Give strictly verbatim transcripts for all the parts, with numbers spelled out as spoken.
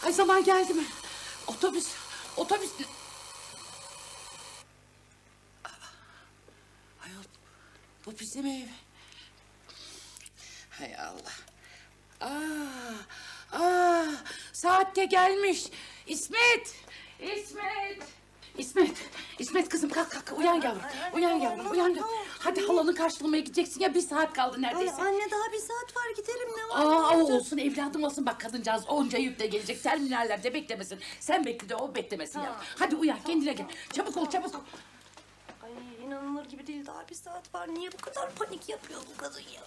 Ay zaman geldi mi? Otobüs, otobüs... Ayol, bu bizim ev. Hay Allah. Aa, aa, saatte gelmiş. İsmet, İsmet. İsmet, İsmet kızım kalk kalk uyan yavrum. Uyan yavrum, uyan yavrum. Hadi halanı karşılamaya gideceksin ya bir saat kaldı neredeyse. Ay anne daha bir saat var gidelim ne var? Aa o olsun evladım olsun bak kadıncağız onca yükle gelecek terminallerde beklemesin. Sen bekle de o beklemesin ya. Hadi uyan kendine gel. Çabuk ol çabuk ol. Ay inanılır gibi değil daha bir saat var. Niye bu kadar panik yapıyor bu kadın ya?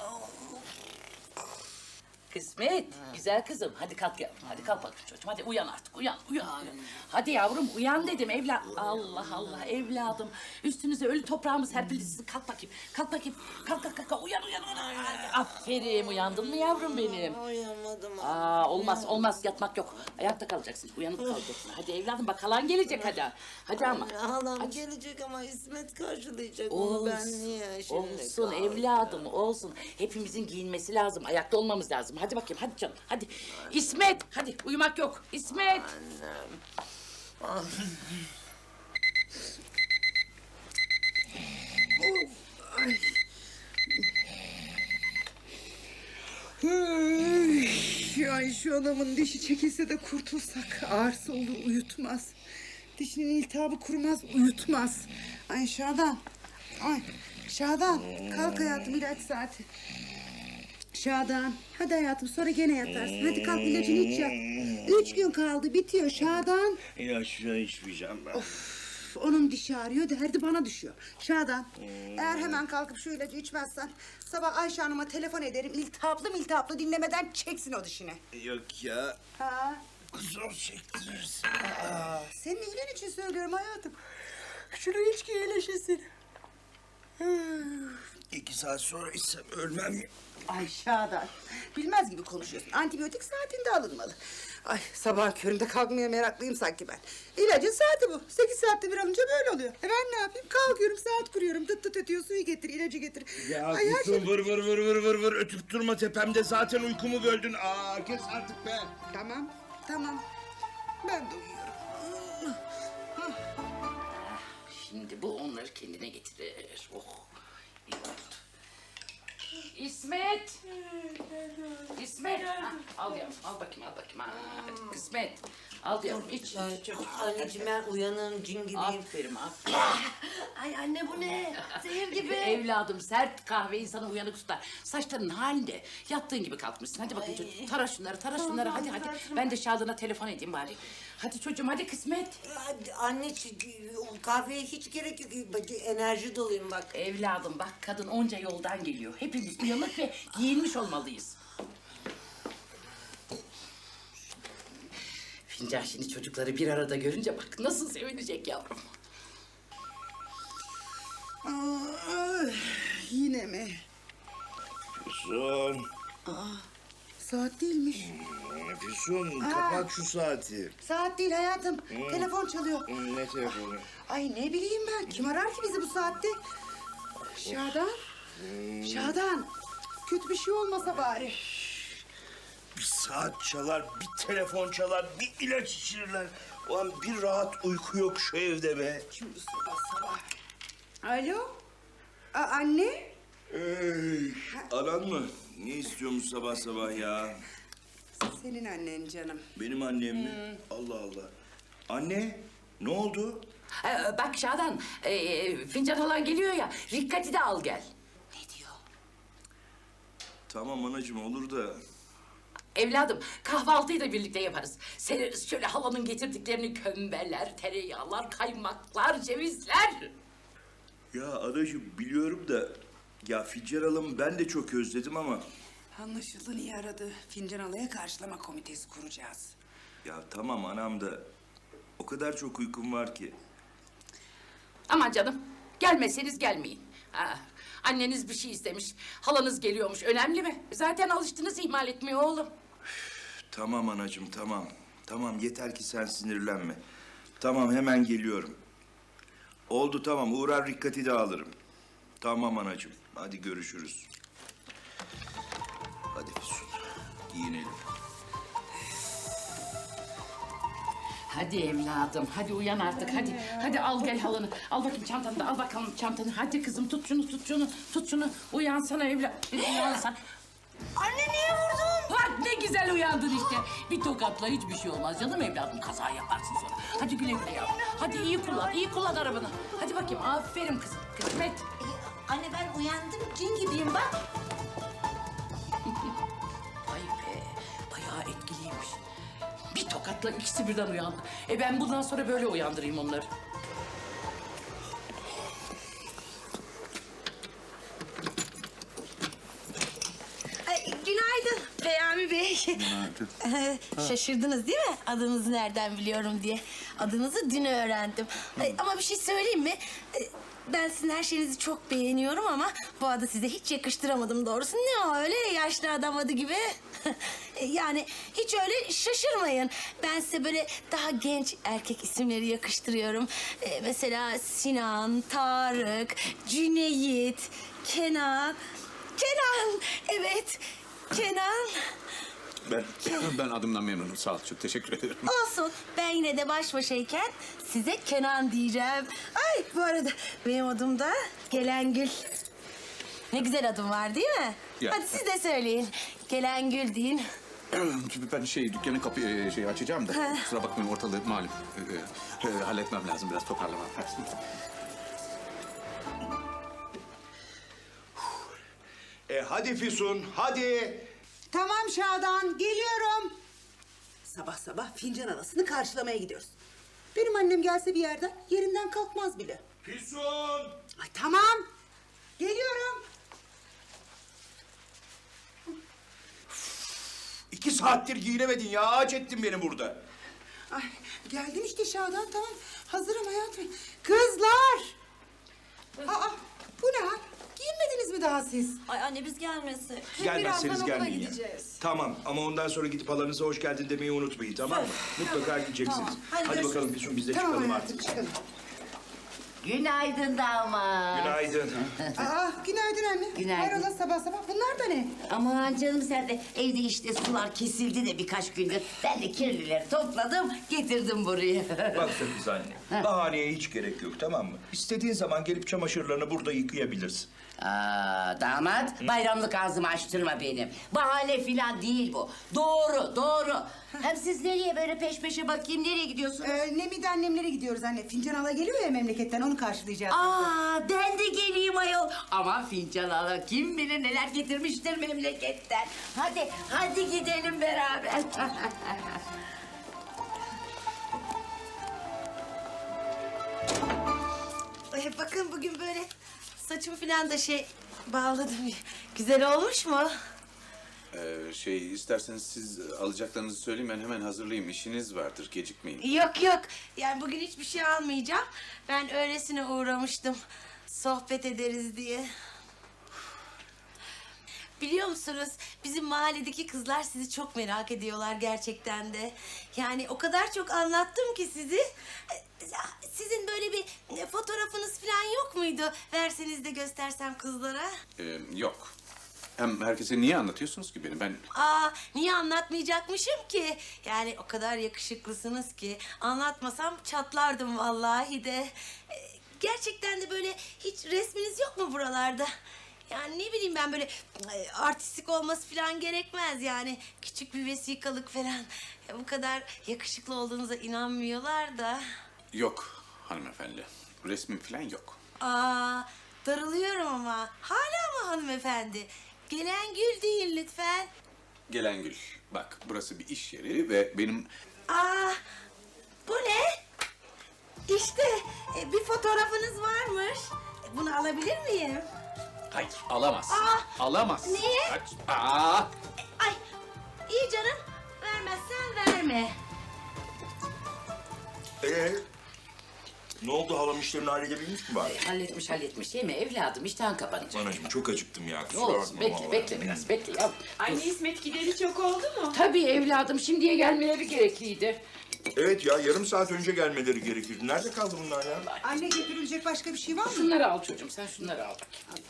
Kısmet, güzel kızım. Hadi kalk yavrum. Hadi kalk bakayım çocuğum. Hadi uyan artık. Uyan, uyan. uyan. Hadi yavrum uyan dedim evlat. Allah Allah evladım. Üstünüze ölü toprağımı serpildi sizin. Kalk bakayım. Kalk bakayım. Kalk kalk kalk. Uyan uyan uyan. Aferin uyandın mı yavrum benim? Uyanmadım. Aa olmaz olmaz yatmak yok. Ayakta kalacaksın. Uyanıp kalacaksın. Hadi evladım bak halan gelecek hadi. Hadi ama. Halam Hadi. gelecek ama İsmet karşılayacak onu ben niye şimdi olsun kaldım? evladım olsun. Hepimizin giyinmesi lazım. Ayakta olmamız lazım. Hadi bakayım hadi canım hadi. İsmet hadi uyumak yok. İsmet. Ay şu adamın dişi çekilse de kurtulsak. Ağrısı olur uyutmaz. Dişinin iltihabı kurumaz uyutmaz. Ay Şadan. Ay Şadan kalk hayatım ilaç saati. Şadan hadi hayatım sonra gene yatarsın. Hadi kalk ilacını iç yat. Üç gün kaldı bitiyor Şadan. İlaçla içmeyeceğim ben. Of, onun dişi ağrıyor derdi bana düşüyor. Şadan eğer hemen kalkıp şu ilacı içmezsen sabah Ayşe Hanım'a telefon ederim. İltihaplı miltihaplı dinlemeden çeksin o dişini. Yok ya. Ha? Zor çektirirsin. Aa, senin iyiliğin için söylüyorum hayatım. Şunu iç ki iyileşesin. İki saat sonra içsem ölmem ya. Ay Şadan, bilmez gibi konuşuyorsun. Antibiyotik saatinde alınmalı. Ay sabah köründe kalkmaya meraklıyım sanki ben. İlacın saati bu. Sekiz saatte bir alınca böyle oluyor. E ben ne yapayım? Kalkıyorum saat kuruyorum. Tıt tıt ötüyor suyu getir, ilacı getir. Ya Ay, her kuzum şey- vır vır vır vır vır vır ötüp durma tepemde zaten uykumu böldün. Aa kes artık be. Tamam, tamam. Ben de uyuyorum. Şimdi bu onları kendine getirir. Oh. iyi oldu. İsmet. İsmet. Ha, al yavrum al bakayım al bakayım. Ha, hadi kısmet. Al yavrum iç. Ay çok anneciğim ben uyanığım cin gibiyim. Aferin aferin. Ay anne bu ne? Zehir gibi. Evladım sert kahve insanı uyanık tutar. Saçların halinde yattığın gibi kalkmışsın. Hadi bakayım çocuğum. Tara şunları tara şunları hadi hadi. Ben de Şadan'a telefon edeyim bari. Hadi çocuğum hadi kısmet. Hadi anne o kahveye hiç gerek yok. Bak, enerji doluyum bak. Evladım bak kadın onca yoldan geliyor. Hepimiz uyanık ve giyinmiş olmalıyız. Fincan şimdi çocukları bir arada görünce bak nasıl sevinecek yavrum. Aa, yine mi? Füsun. Saat değilmiş. Füsun kapat şu saati. Saat değil hayatım. Telefon çalıyor. Ne telefonu? Ay ne bileyim ben. Kim arar ki bizi bu saatte? Şadan. Şadan. Kötü bir şey olmasa bari. Bir saat çalar, bir telefon çalar, bir ilaç içirirler. Ulan bir rahat uyku yok şu evde be. Şimdi sabah sabah. Alo? A anne? Ey, anan mı? Ne istiyormuş sabah sabah ya? Senin annen canım. Benim annem mi? Allah Allah. Anne, ne oldu? Ee, bak Şadan, e, fincan halan geliyor ya, Rikkat'i de al gel. Ne diyor? Tamam anacığım olur da. Evladım, kahvaltıyı da birlikte yaparız. Sereriz şöyle halanın getirdiklerini kömbeler, tereyağlar, kaymaklar, cevizler. Ya anacığım biliyorum da... Ya Fincan Hanım ben de çok özledim ama... Anlaşıldı niye aradı? Fincan Alaya karşılama komitesi kuracağız. Ya tamam anam da... O kadar çok uykum var ki. Aman canım, gelmeseniz gelmeyin. Ha, anneniz bir şey istemiş, halanız geliyormuş. Önemli mi? Zaten alıştınız ihmal etmeye oğlum. Tamam anacığım tamam. Tamam yeter ki sen sinirlenme. Tamam hemen geliyorum. Oldu tamam uğrar Rikkat'i de alırım. Tamam anacığım hadi görüşürüz. Hadi Füsun giyinelim. Hadi evladım, hadi uyan artık, hadi. Hadi al gel halını, al bakayım çantanı da, al bakalım çantanı. Hadi kızım, tut şunu, tut şunu, tut şunu. Uyansana evlat, uyansan. Anne niye vurdun? Bak ne güzel uyandın işte. Bir tokatla hiçbir şey olmaz canım evladım, kaza yaparsın sonra. Hadi güle güle yavrum. Hadi iyi kullan, iyi kullan arabanı. Hadi bakayım, aferin kızım, kısmet. Anne ben uyandım, cin gibiyim bak. Vay be, bayağı etkiliymiş. Bir tokatla ikisi birden uyandı. E ben bundan sonra böyle uyandırayım onları. Ay, günaydın Peyami Bey. Günaydın. Şaşırdınız değil mi? Adınızı nereden biliyorum diye. Adınızı dün öğrendim. Ay, ama bir şey söyleyeyim mi? Ay, Ben sizin her şeyinizi çok beğeniyorum ama bu adı size hiç yakıştıramadım doğrusu. Ne o öyle yaşlı adam adı gibi? Yani hiç öyle şaşırmayın. Ben size böyle daha genç erkek isimleri yakıştırıyorum. Ee, mesela Sinan, Tarık, Cüneyt, Kenan. Kenan, evet. Kenan. Ben ben adımdan memnunum. Sağ ol. Çok teşekkür ederim. Olsun. Ben yine de baş başayken size Kenan diyeceğim. Ay bu arada benim adım da Gelengül. Ne güzel adım var değil mi? Ya. Hadi siz de söyleyin. Gelengül deyin. Çünkü ben şey dükkanın kapıyı şey açacağım da kusura bakmayın ortalığı malum. Ee, e, halletmem lazım biraz toparlamam lazım. E hadi Füsun, hadi. Tamam Şadan, geliyorum. Sabah sabah fincan havasını karşılamaya gidiyoruz. Benim annem gelse bir yerden yerinden kalkmaz bile. Füsun! Ay tamam, geliyorum. İki saattir giyinemedin ya. Ağaç ettin beni burada. Ay, geldim işte Şadan, tamam. Hazırım hayatım. Kızlar! Aa, bu ne hal? Giyinmediniz mi daha siz? Ay anne biz gelmesek. Gelmezseniz gelmeyin ya. Tamam ama ondan sonra gidip halanıza hoş geldin demeyi unutmayın, tamam mı? Mutlaka gideceksiniz. Tamam. Hadi Hadi, görüşürüz. bakalım Füsun biz de Tamam çıkalım hayatım, artık. çıkalım. Günaydın damat. Günaydın. Aa, günaydın anne. Günaydın. Hayrola sabah sabah, bunlar da ne? Aman canım sen de evde işte sular kesildi de birkaç gündür. Ben de kirlileri topladım getirdim buraya. Bak Sakız anne, bahaneye hiç gerek yok, tamam mı? İstediğin zaman gelip çamaşırlarını burada yıkayabilirsin. Aa, damat bayramlık ağzımı açtırma benim. Bahane filan değil bu. Doğru doğru. Hem siz nereye böyle peş peşe bakayım nereye gidiyorsunuz? Ee, Nemide annemlere gidiyoruz anne. Fincan hala geliyor ya memleketten, onu karşılayacağız. Aa, ben de geleyim ayol. Ama fincan hala kim bilir neler getirmiştir memleketten. Hadi, hadi gidelim beraber. Ay, bakın bugün böyle saçımı falan da şey bağladım. Güzel olmuş mu? Ee, şey isterseniz siz alacaklarınızı söyleyin ben hemen hazırlayayım. İşiniz vardır gecikmeyin. Yok yok. Yani bugün hiçbir şey almayacağım. Ben öylesine uğramıştım. Sohbet ederiz diye. Biliyor musunuz? Bizim mahalledeki kızlar sizi çok merak ediyorlar gerçekten de. Yani o kadar çok anlattım ki sizi. Sizin böyle bir fotoğrafınız falan yok muydu? Verseniz de göstersem kızlara. Ee, yok. Hem herkese niye anlatıyorsunuz ki beni? Ben Aa, niye anlatmayacakmışım ki? Yani o kadar yakışıklısınız ki anlatmasam çatlardım vallahi de. Ee, gerçekten de böyle hiç resminiz yok mu buralarda? Yani ne bileyim ben böyle e, artistik olması falan gerekmez yani. Küçük bir vesikalık falan. Ya, bu kadar yakışıklı olduğunuza inanmıyorlar da. yok hanımefendi. Resmim falan yok. Aa, darılıyorum ama. Hala mı hanımefendi? Gelen gül değil lütfen. Gelengül. Bak burası bir iş yeri ve benim Aa, bu ne? İşte e, bir fotoğrafınız varmış. E, Bunu alabilir miyim? hayır alamazsın. Aa, Alamazsın. niye? Kaç. Aa! Ay, iyi canım. Vermezsen verme. Ee, ne oldu, halam işlerini halledebilmiş mi bari? Halletmiş halletmiş değil mi evladım? İştahın kapanacak. Anacığım çok acıktım ya. Ne kusura olsun bakma bekle vallahi. bekle biraz bekle yavrum. Anne İsmet gideli çok oldu mu? Tabii evladım şimdiye gelmeleri gerekliydi. Evet ya, yarım saat önce gelmeleri gerekirdi. Nerede kaldı bunlar ya? Anne, getirilecek başka bir şey var mı? Şunları al çocuğum sen şunları al bakayım. Al.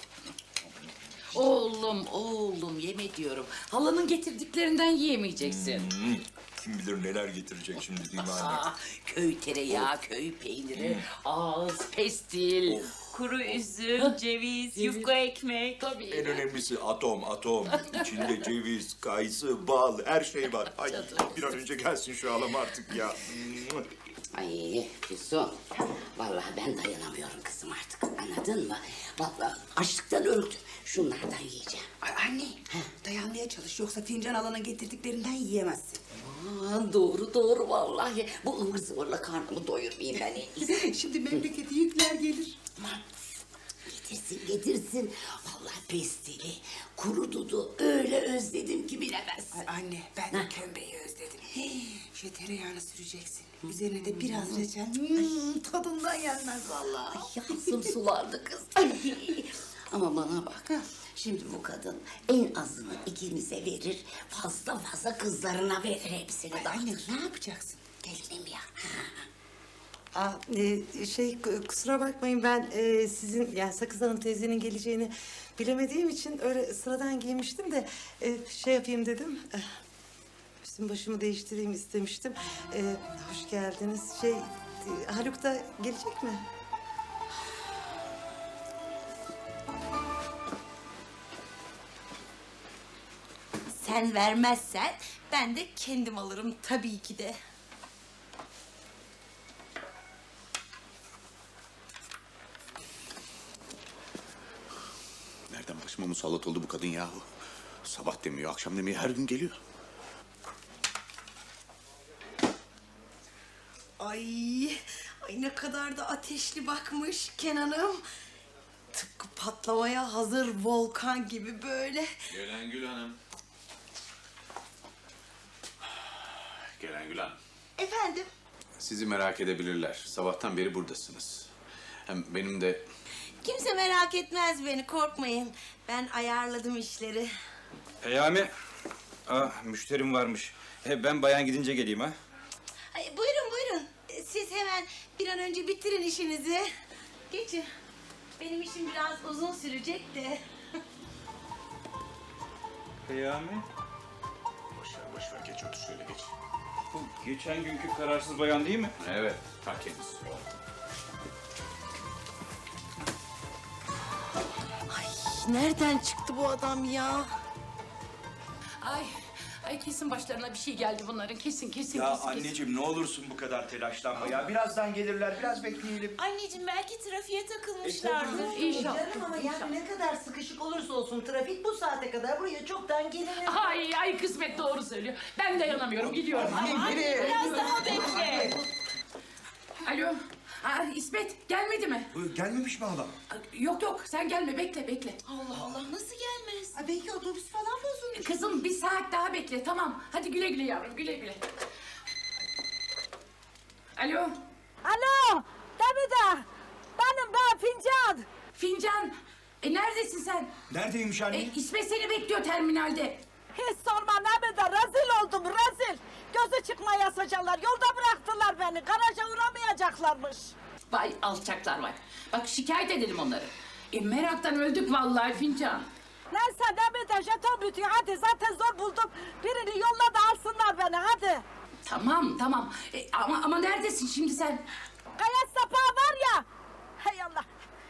Oğlum oğlum yeme diyorum. Halanın getirdiklerinden yiyemeyeceksin. Kim bilir neler getirecek şimdi değil mi anne? Aa, köy tereyağı, köy peyniri, ağız, pestil. Kuru üzüm, ceviz, yufka ekmek. Tabii. En önemlisi atom, atom. İçinde ceviz, kayısı, bal, her şey var. Ay bir an önce gelsin şu halam artık ya. Ay Füsun, vallahi ben dayanamıyorum kızım artık. Anladın mı? Vallahi açlıktan öldüm. Şunlardan yiyeceğim. Ay anne, dayanmaya çalış. Yoksa fincan alana getirdiklerinden yiyemezsin. Aa, doğru doğru vallahi. Bu ıvır zıvırla karnımı doyurmayayım ben en iyisi. Şimdi memlekete yükler gelir. Aman, getirsin getirsin. Vallahi pestili, kuru dudu öyle özledim ki bilemezsin. Ay anne, ben de kömbeyi özledim. Hii, şu tereyağını süreceksin. Üzerine de biraz reçel. Hmm, tadından yenmez vallahi. Yansım sulandı kız. Ay. Ama bana bak. Şimdi bu kadın en azını ikimize verir. Fazla fazla kızlarına verir hepsini. Ay anne, ne yapacaksın? Gelinim ya. Aa, e, şey k- kusura bakmayın ben e, sizin yani Sakız Hanım teyzenin geleceğini bilemediğim için öyle sıradan giymiştim de e, şey yapayım dedim. Eh, üstüm başımı değiştireyim istemiştim. E, hoş geldiniz. Şey e, Haluk da gelecek mi? Sen vermezsen ben de kendim alırım tabii ki de. Nereden başıma musallat oldu bu kadın yahu? Sabah demiyor, akşam demiyor, her gün geliyor. Ay, ay ne kadar da ateşli bakmış Kenan'ım. Tıpkı patlamaya hazır volkan gibi böyle. Gelen Gül Hanım. Gelen Gül Hanım. Efendim? Sizi merak edebilirler. Sabahtan beri buradasınız. Hem benim de Kimse merak etmez beni, korkmayın. Ben ayarladım işleri. Peyami. Ah, müşterim varmış. He, ben bayan gidince geleyim ha. Ay, buyurun buyurun. Ee, Siz hemen bir an önce bitirin işinizi. Geçin. Benim işim biraz uzun sürecek de. Peyami. boş ver, boş ver. Geç otur şöyle geç. Bu geçen günkü kararsız bayan değil mi? Evet, ta kendisi. Nereden çıktı bu adam ya? Ay, ay kesin başlarına bir şey geldi bunların. Kesin, kesin, Ya kesin. kesin. anneciğim ne olursun bu kadar telaşlanma ya. Birazdan gelirler, biraz bekleyelim. Anneciğim belki trafiğe takılmışlardır. İnşallah. Canım ama yani ne kadar sıkışık olursa olsun trafik bu saate kadar buraya çoktan gelir. Ay, ay kısmet doğru söylüyor. Ben dayanamıyorum, gidiyorum. Biraz daha bekle. Alo, Aa, İsmet gelmedi mi? Gelmemiş mi halam? Yok yok, sen gelme, bekle, bekle. Allah Allah nasıl gelmez? Ay belki otobüs falan bozulmuş. Kızım bir saat daha bekle, tamam. Hadi güle güle yavrum, güle güle. Alo, Alo, Demide. Benim ben Fincan. Fincan. E neredesin sen? Neredeymiş anne? E, İsmet seni bekliyor terminalde. Hiç sorma Demide. Rezil oldum, rezil. Gözü çıkmaya saçarlar. Yolda bıraktılar beni. Garaja uğramayacaklarmış. Vay alçaklar vay. Bak şikayet edelim onları. E meraktan öldük vallahi Fincan. Neyse Demide, jeton bitiyor. Hadi zaten zor buldum. Birini yolla da alsınlar beni, hadi. Tamam tamam. E, ama ama neredesin şimdi sen? Kaya sapağı var ya. Hay Allah.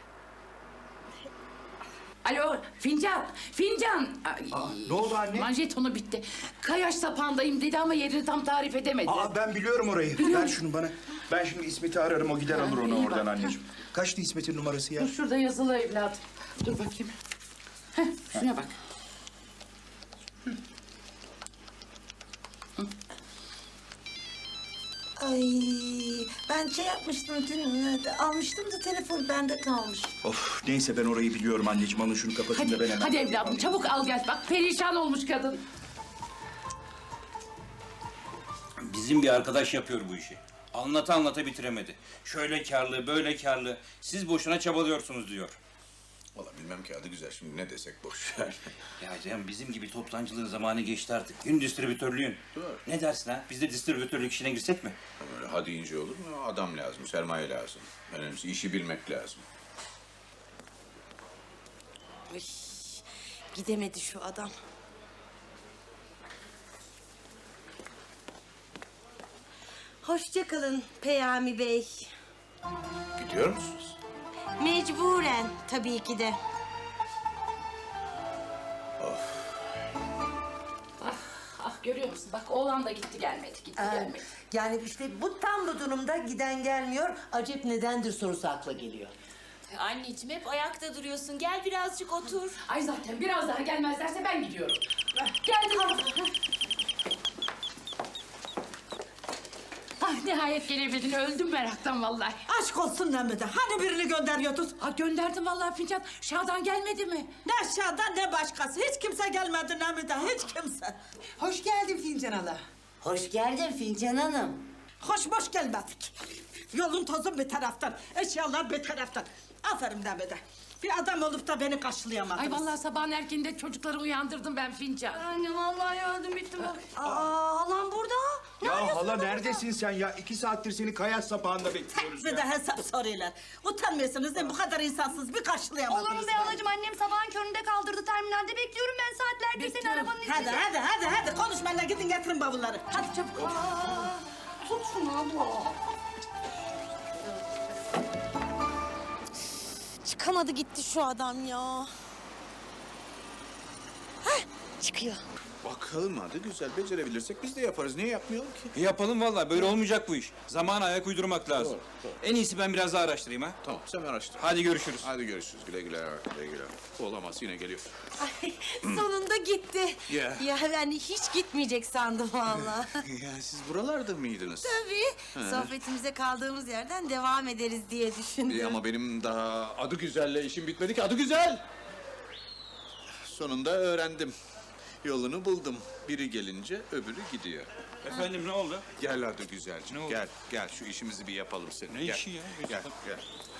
Alo Fincan, Fincan. Ay, ne oldu anne? Manjetonu bitti. Kayaş sapağındayım dedi ama yerini tam tarif edemedi. Aa ben biliyorum orayı. Ver şunu bana. Ben şimdi İsmet'i ararım, o gider alır onu iyi oradan bak. anneciğim. Kaçtı İsmet'in numarası ya? Dur şurada yazılı evladım. Dur bakayım. Heh, şuna bak. Ay ben şey yapmıştım dün almıştım da telefon bende kalmış. Of neyse ben orayı biliyorum anneciğim. Alın şunu kapatın da ben Hadi, hemen. hadi evladım çabuk al gel. Bak perişan olmuş kadın. Bizim bir arkadaş yapıyor bu işi. Anlata anlata bitiremedi. Şöyle karlı, böyle karlı. Siz boşuna çabalıyorsunuz diyor. Vallahi bilmem ki adı güzel şimdi ne desek boş ver. Ya Cem bizim gibi toptancılığın zamanı geçti artık. Gün distribütörlüğün. Doğru. Ne dersin ha? Biz de distribütörlük işine girsek mi? Öyle hadi ince olur mu? Adam lazım, sermaye lazım. Önemlisi işi bilmek lazım. Ay, gidemedi şu adam. Hoşça kalın Peyami Bey. Gidiyor musunuz? Mecburen tabii ki de. Ah görüyor musun? Bak oğlan da gitti gelmedi, gitti gelmedi. Yani işte bu tam bu durumda giden gelmiyor. Acep nedendir sorusu akla geliyor. Anneciğim hep ayakta duruyorsun. Gel birazcık otur. Ay zaten biraz daha gelmezlerse ben gidiyorum. Geldim. Ah nihayet gelebildin. Öldüm meraktan vallahi. Aşk olsun Nemide. Hani birini gönderiyordun? Ha gönderdim vallahi fincan. Şadan gelmedi mi? Ne aşağıdan ne başkası. Hiç kimse gelmedi Nemide. Hiç kimse. Hoş geldin Fincan Hala. Hoş geldin Fincan Hanım. Hoş boş gelmedik. Yolun tozun bir taraftan. Eşyalar bir taraftan. Aferin Nemide. Bir adam olup da beni karşılayamadınız. Ay vallahi sabahın erkeninde çocukları uyandırdım ben fincan. Anne vallahi öldüm bittim. Aa halam burada. Ya hala neredesin sen ya? İki saattir seni kaya sapağında bekliyoruz Bir de hesap soruyorlar. Utanmıyorsunuz değil mi? Bu kadar insansız bir karşılayamadınız. Olur mu be halacığım? Annem sabahın köründe kaldırdı. Terminalde bekliyorum ben saatlerdir seni arabanın içinde. Hadi hadi hadi hadi konuşmayın da gidin getirin bavulları. Hadi çabuk. Tut şunu abla. Çıkamadı gitti şu adam ya. Hah, çıkıyor. Bakalım hadi güzel. Becerebilirsek biz de yaparız. Niye yapmayalım ki? E yapalım vallahi böyle olmayacak bu iş. Zamana ayak uydurmak lazım. Doğru, doğru. En iyisi ben biraz daha araştırayım ha. Tamam sen araştır. Hadi görüşürüz. Hadi görüşürüz. Güle güle. Güle güle. Olamaz yine geliyor. Ay, sonunda gitti. Ya. Ya ben hiç gitmeyecek sandım vallahi. Ya siz buralarda mıydınız? Tabii. Sohbetimize kaldığımız yerden devam ederiz diye düşündüm. İyi ama benim daha adı güzelle işim bitmedi ki. Adı güzel. Sonunda öğrendim. Yolunu buldum. Biri gelince öbürü gidiyor. Efendim ne oldu? Gel adı güzelciğim. Ne oldu? Gel, gel şu işimizi bir yapalım senin. Ne gel. işi ya? Gel, gel.